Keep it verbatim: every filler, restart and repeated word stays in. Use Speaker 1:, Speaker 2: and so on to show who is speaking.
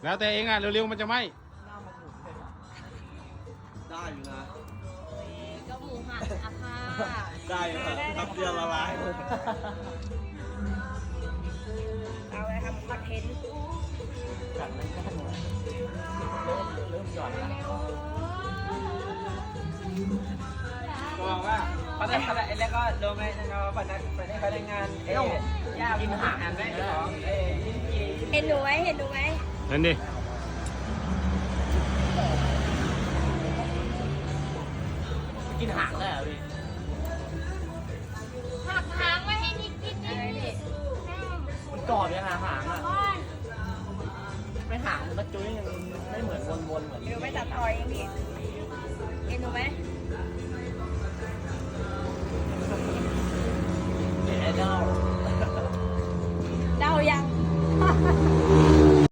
Speaker 1: แล้วแต่เองอ่ะเร็วๆมันจะไหม
Speaker 2: ได้อยู่นะ
Speaker 3: ก็หมูหันอะค่ะ
Speaker 2: ได้อยู่ครับทับเดียวละลาย
Speaker 3: เอาไว้ทำคอนเทนต์
Speaker 4: กัดมันก็หมดเริ่มเริ่มหย่อนแล้ว
Speaker 5: บอกว่าเขาได้เขาได้แล้วก็ลงในเราพนักพนักงานเอ๊ะย่ากินอาหารได้ของเอ๊ะยินดี
Speaker 3: เห็นหนูไหมเห็นหนูไหม
Speaker 1: นั่นดิ
Speaker 4: กินหางได้เหรอพี่
Speaker 3: หักหางไว้ให้นิดนิดนิดนิด
Speaker 4: มันกรอบยังหาหางอ่ะไม่หางมันก็จุ้ยยังไม่เหมือนวนๆเหมือน
Speaker 3: เดี๋ยวไม่ตัดต่อยเองพี่เห็นหนูไหม
Speaker 4: เด็ดไอดอล